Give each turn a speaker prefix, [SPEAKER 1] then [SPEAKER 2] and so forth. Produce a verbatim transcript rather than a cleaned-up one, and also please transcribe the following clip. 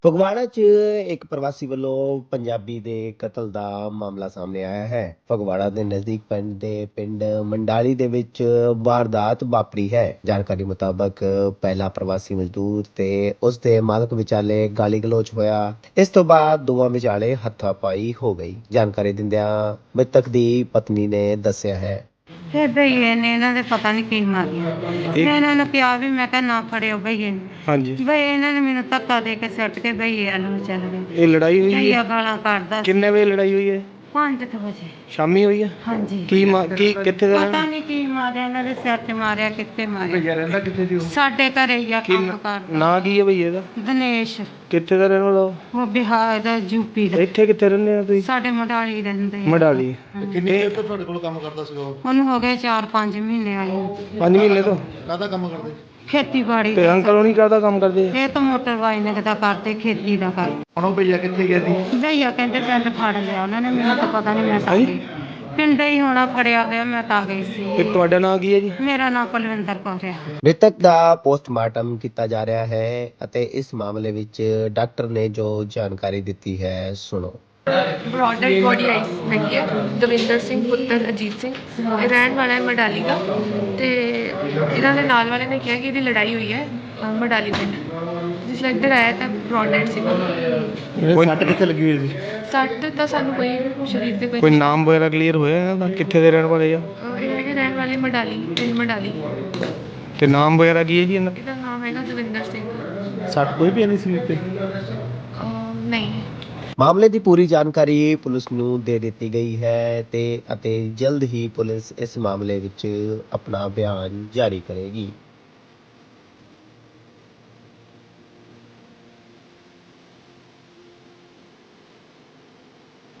[SPEAKER 1] ਫਗਵਾੜਾ 'ਚ ਇੱਕ ਪ੍ਰਵਾਸੀ ਵੱਲੋਂ ਪੰਜਾਬੀ ਦੇ ਕਤਲ ਦਾ ਮਾਮਲਾ ਸਾਹਮਣੇ ਆਇਆ ਹੈ। ਫਗਵਾੜਾ ਦੇ ਨਜ਼ਦੀਕ ਪਿੰਡ ਦੇ ਪਿੰਡ ਮੰਡਾਲੀ ਦੇ ਵਿੱਚ ਵਾਰਦਾਤ ਵਾਪਰੀ ਹੈ। ਜਾਣਕਾਰੀ ਮੁਤਾਬਕ ਪਹਿਲਾ ਪ੍ਰਵਾਸੀ ਮਜ਼ਦੂਰ ਤੇ ਉਸ ਦੇ ਮਾਲਕ ਵਿਚਾਲੇ ਗਾਲੀ ਗਲੋਚ ਹੋਇਆ। ਇਸ ਤੋਂ ਬਾਅਦ ਦੋਵਾਂ ਵਿਚਾਲੇ ਹੱਥਾਪਾਈ ਹੋ ਗਈ। ਜਾਣਕਾਰੀ ਦਿੰਦਿਆਂ ਮ੍ਰਿਤਕ ਦੀ ਪਤਨੀ ਨੇ ਦੱਸਿਆ ਹੈ।
[SPEAKER 2] ਫਿਰ ਭਈਏ ਨੇ ਇਹਨਾਂ ਦੇ ਪਤਾ ਨਹੀਂ ਕੀ ਮਾਰਿਆ। ਮੈਂ ਇਹਨਾਂ ਨੂੰ ਕਿਹਾ ਵੀ ਮੈਂ ਕਿਹਾ ਨਾ ਫੜਿਓ ਭਈਏ ਨੂੰ।
[SPEAKER 3] ਹਾਂਜੀ,
[SPEAKER 2] ਬਈ ਇਹਨਾਂ ਨੇ ਮੈਨੂੰ ਧੱਕਾ ਦੇ ਕੇ ਸੁੱਟ ਕੇ ਭਈਏ ਵੱਲ ਨੂੰ ਚੱਲ ਗਏ।
[SPEAKER 3] ਇਹ ਲੜਾਈ ਹੋਈ
[SPEAKER 2] ਭਈਆ
[SPEAKER 3] ਹੈ?
[SPEAKER 2] ਗਾਲਾਂ ਕੱਢਦਾ ਸੀ।
[SPEAKER 3] ਕਿੰਨੇ ਵਜੇ ਲੜਾਈ ਹੋਈ ਹੈ?
[SPEAKER 2] ਪੰਜ ਕੁ ਵਜੇ।
[SPEAKER 3] ਸ਼ਾਮੀ ਹੋਈ ਹੈ?
[SPEAKER 2] ਹਾਂਜੀ।
[SPEAKER 3] ਕੀ ਮਾ- ਕੀ ਕਿੱਥੇ ਦਾ
[SPEAKER 2] ਪਤਾ ਨਹੀਂ ਕੀ ਮਾਰਿਆ ਇਹਨਾਂ ਦੇ ਸਿਰ 'ਚ ਮਾਰਿਆ, ਕਿੱਥੇ ਮਾਰਿਆ।
[SPEAKER 3] ਭਈਆ ਰਹਿੰਦਾ ਕਿੱਥੇ ਦੀ? ਉਹ
[SPEAKER 2] ਸਾਡੇ ਘਰੇ ਹੀ ਆ
[SPEAKER 3] ਕੀ
[SPEAKER 2] ਕੰਮ
[SPEAKER 3] ਨਾਂ-
[SPEAKER 2] ਕਰਦਾ।
[SPEAKER 3] ਨਾਂ ਕੀ ਹੈ ਭਈਏ ਦਾ?
[SPEAKER 2] ਦਿਨੇਸ਼।
[SPEAKER 3] ਕਿੱਥੇ ਦਾ ਰਹਿਣ ਵਾਲਾ ਉਹ?
[SPEAKER 2] ਉਹ ਬਿਹਾਰ ਦਾ, ਯੂਪੀ ਦਾ।
[SPEAKER 3] ਇੱਥੇ ਕਿੱਥੇ ਰਹਿੰਦੇ ਆ ਤੁਸੀਂ?
[SPEAKER 2] ਸਾਡੇ ਮਡਾਲੀ ਰਹਿੰਦੇ ਆ।
[SPEAKER 3] ਮਡਾਲੀ।
[SPEAKER 4] ਕਿੰਨੀ ਦੇਰ ਤੋਂ ਤੁਹਾਡੇ ਕੋਲ ਕੰਮ ਕਰਦਾ ਸੀ ਉਹ?
[SPEAKER 2] ਉਹਨੂੰ ਹੋ ਗਏ ਚਾਰ ਪੰਜ ਮਹੀਨੇ ਆਏ ਨੂੰ।
[SPEAKER 3] ਪੰਜ ਮਹੀਨੇ ਤੋਂ?
[SPEAKER 4] ਕਾਹਦਾ ਕੰਮ ਕਰਦੇ?
[SPEAKER 2] ਖੇਤੀਬਾੜੀ
[SPEAKER 3] ਤੇ ਅੰਕਲ ਉਹ ਨਹੀਂ ਕਰਦਾ ਕੰਮ ਕਰਦੇ?
[SPEAKER 2] ਇਹ ਤਾਂ ਮੋਟਰ ਵਾਈਨਿੰਗ ਦਾ ਕਰਦੇ, ਖੇਤੀ ਦਾ ਕਰਦੇ।
[SPEAKER 4] ਹੁਣ ਉਹ ਭਈਆ ਕਿੱਥੇ ਗਿਆ ਸੀ?
[SPEAKER 2] ਭਈਆ ਕਹਿੰਦੇ ਪਿੰਡ ਫੜ ਲਿਆ ਉਹਨਾਂ ਨੇ, ਮੈਨੂੰ ਤਾਂ ਪਤਾ ਨਹੀਂ, ਮੈਂ ਤਾਂ ਗਈ ਪਿੰਡ ਹੀ ਹੋਣਾ, ਫੜਿਆ ਹੋਇਆ, ਮੈਂ ਤਾਂ ਗਈ
[SPEAKER 3] ਤੇ
[SPEAKER 2] ਸੀ।
[SPEAKER 3] ਤੁਹਾਡਾ ਨਾਂ ਕੀ ਹੈ ਜੀ?
[SPEAKER 2] ਮੇਰਾ ਨਾਮ ਕੁਲਵਿੰਦਰ ਕੌਰ ਹੈ।
[SPEAKER 1] ਮ੍ਰਿਤਕ ਦਾ ਪੋਸਟਮਾਰਟਮ ਕੀਤਾ ਜਾ ਰਿਹਾ ਹੈ ਅਤੇ ਇਸ ਮਾਮਲੇ ਵਿੱਚ ਡਾਕਟਰ ਨੇ ਜੋ ਜਾਣਕਾਰੀ ਦਿੱਤੀ ਹੈ ਸੁਣੋ।
[SPEAKER 5] ਬ੍ਰੌਡਡ ਬੋਡੀ ਆਈ ਹੈਗੀ ਹੈ। ਦਵਿੰਦਰ ਸਿੰਘ ਪੁੱਤਰ ਅਜੀਤ ਸਿੰਘ, ਇਹ ਰਹਿਣ ਵਾਲਾ ਹੈ ਮਡਾਲੀ ਦਾ। ਤੇ ਇਹਨਾਂ ਦੇ ਨਾਲ ਵਾਲੇ ਨੇ ਕਿਹਾ ਕਿ ਇਹਦੀ ਲੜਾਈ ਹੋਈ ਹੈ ਅ, ਮਡਾਲੀ ਪਿੰਡ। ਜਿਸ ਲਈ ਇੱਧਰ ਆਇਆ ਤਾਂ ਬ੍ਰੌਡਡ ਸੀ।
[SPEAKER 3] ਕੋਈ
[SPEAKER 4] ਸੱਟ ਕਿੱਥੇ ਲੱਗੀ ਹੋਈ ਸੀ?
[SPEAKER 5] ਸੱਟ ਤਾਂ ਸਾਨੂੰ ਕੋਈ ਸਰੀਰ ਤੇ ਕੋਈ
[SPEAKER 3] ਕੋਈ ਨਾਮ ਵਗੈਰਾ ਕਲੀਅਰ ਹੋਇਆ ਇਹਨਾਂ ਦਾ? ਕਿੱਥੇ ਦੇ ਰਹਿਣ ਵਾਲੇ ਆ?
[SPEAKER 5] ਅ, ਇਹ ਹੈਗੇ ਰਹਿਣ ਵਾਲੇ ਮਡਾਲੀ ਪਿੰਡ ਮਡਾਲੀ।
[SPEAKER 3] ਤੇ ਨਾਮ ਵਗੈਰਾ ਕੀ ਹੈ ਜੀ ਇਹਨਾਂ ਦਾ?
[SPEAKER 5] ਇਹਦਾ ਨਾਮ ਹੈਗਾ ਦਵਿੰਦਰ ਸਿੰਘ।
[SPEAKER 4] ਸੱਟ ਕੋਈ ਵੀ ਨਹੀਂ ਸੀ ਤੇ?
[SPEAKER 5] ਅ, ਨਹੀਂ।
[SPEAKER 1] ਮਾਮਲੇ ਦੀ ਪੂਰੀ ਜਾਣਕਾਰੀ ਪੁਲਿਸ ਨੂੰ ਦੇ ਦਿੱਤੀ ਗਈ ਹੈ ਤੇ ਅਤੇ ਜਲਦ ਹੀ ਪੁਲਿਸ ਇਸ ਮਾਮਲੇ ਵਿੱਚ ਆਪਣਾ ਬਿਆਨ ਜਾਰੀ ਕਰੇਗੀ।